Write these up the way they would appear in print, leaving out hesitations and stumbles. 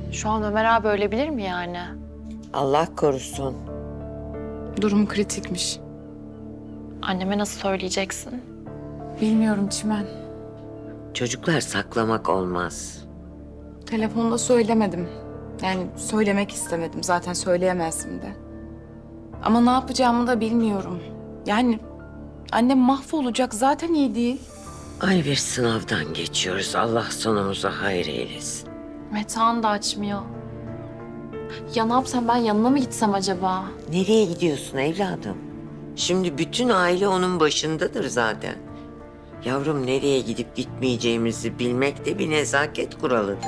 Şu an Ömer abi ölebilir mi yani? Allah korusun. Durum kritikmiş. Anneme nasıl söyleyeceksin? Bilmiyorum Çimen. Çocuklar saklamak olmaz. Telefonda söylemedim. Yani söylemek istemedim. Zaten söyleyemezdim de. Ama ne yapacağımı da bilmiyorum. Yani annem mahvolacak. Zaten iyi değil. Ay bir sınavdan geçiyoruz. Allah sonumuzu hayır eylesin. Metehan da açmıyor. Ya ne yapsam, ben yanına mı gitsem acaba? Nereye gidiyorsun evladım? Şimdi bütün aile onun başındadır zaten. Yavrum nereye gidip gitmeyeceğimizi bilmek de bir nezaket kuralıdır.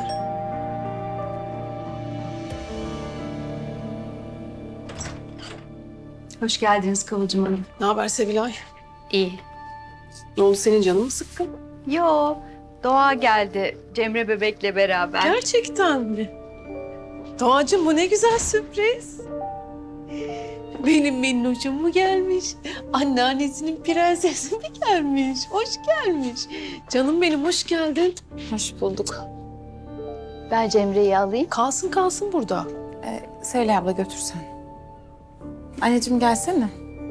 Hoş geldiniz Kıvılcım Hanım. Ne haber Sevilay? İyi. Ne oldu, senin canın mı sıkkın? Yo, Doğa geldi Cemre bebekle beraber. Gerçekten mi? Doğacığım, bu ne güzel sürpriz. Benim minnoşum mu gelmiş? Anneannesinin prensesi mi gelmiş? Hoş gelmiş. Canım benim, hoş geldin. Hoş bulduk. Ben Cemre'yi alayım. Kalsın kalsın burada. Söyle abla götürsen. Anneciğim gelsene.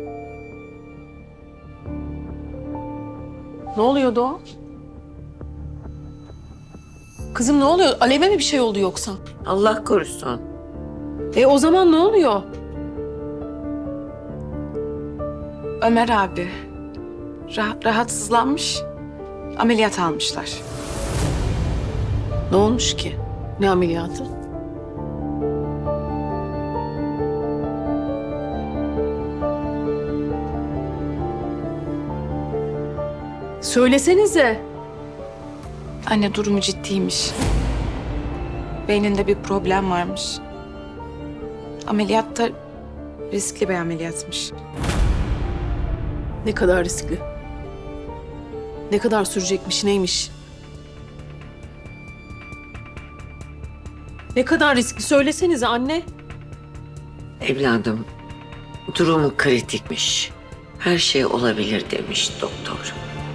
Ne oluyor Doğa? Kızım ne oluyor? Alev'e mi bir şey oldu yoksa? Allah korusun. O zaman ne oluyor? Ömer abi rahatsızlanmış. Ameliyat almışlar. Ne olmuş ki? Ne ameliyatı? Söylesenize. Anne durumu ciddiymiş. Beyninde bir problem varmış. Ameliyatta riskli bir ameliyatmış. Ne kadar riskli? Ne kadar sürecekmiş, neymiş? Ne kadar riskli? Söylesenize anne. Evladım durumu kritikmiş. Her şey olabilir demiş doktor.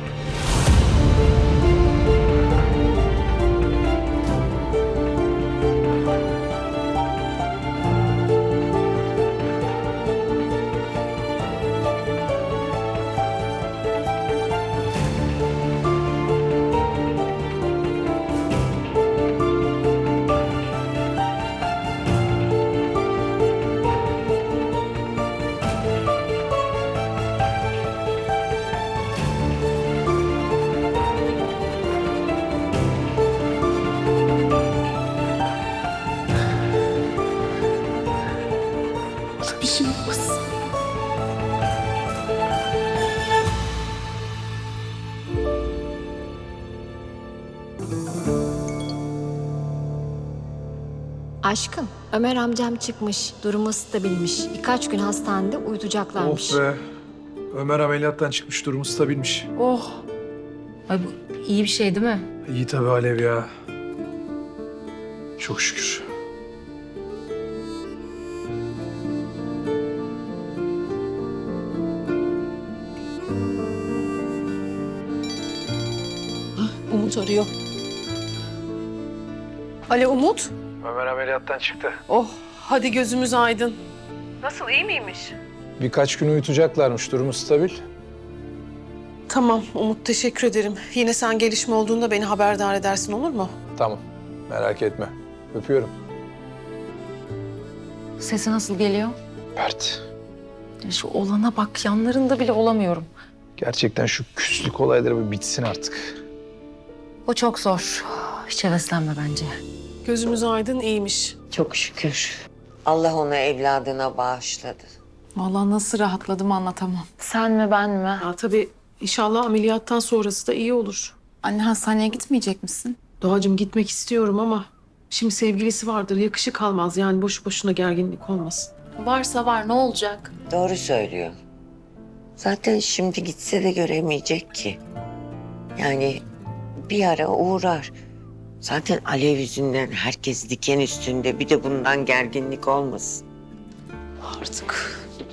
Bir şey olmaz. Aşkım, Ömer amcam çıkmış, durumu stabilmiş. Birkaç gün hastanede uyutacaklarmış. Oh be. Ömer ameliyattan çıkmış, durumu stabilmiş. Oh. Ay bu iyi bir şey değil mi? İyi tabii Alev ya. Çok şükür. Umut arıyor. Alo Umut. Ömer ameliyattan çıktı. Oh, hadi gözümüz aydın. Nasıl, iyi miymiş? Birkaç gün uyutacaklarmış, durumu stabil. Tamam Umut, teşekkür ederim. Yine sen gelişme olduğunda beni haberdar edersin, olur mu? Tamam, merak etme. Öpüyorum. Sesi nasıl geliyor? Mert, Ya şu olana bak, yanlarında bile olamıyorum. gerçekten şu küslük olayları bir bitsin artık. O çok zor. Hiç heveslenme bence. Gözümüz aydın, iyiymiş. Çok şükür. Allah onu evladına bağışladı. Vallahi nasıl rahatladım anlatamam. Sen mi, ben mi? Ya tabii inşallah ameliyattan sonrası da iyi olur. Anne hastaneye gitmeyecek misin? Doğacığım, gitmek istiyorum ama şimdi sevgilisi vardır, yakışık almaz. Yani boşu boşuna gerginlik olmasın. Varsa var, ne olacak? Doğru söylüyor. Zaten şimdi gitse de göremeyecek ki. Yani bir ara uğrar. Zaten Alev yüzünden herkes diken üstünde. Bir de bundan gerginlik olmasın. Artık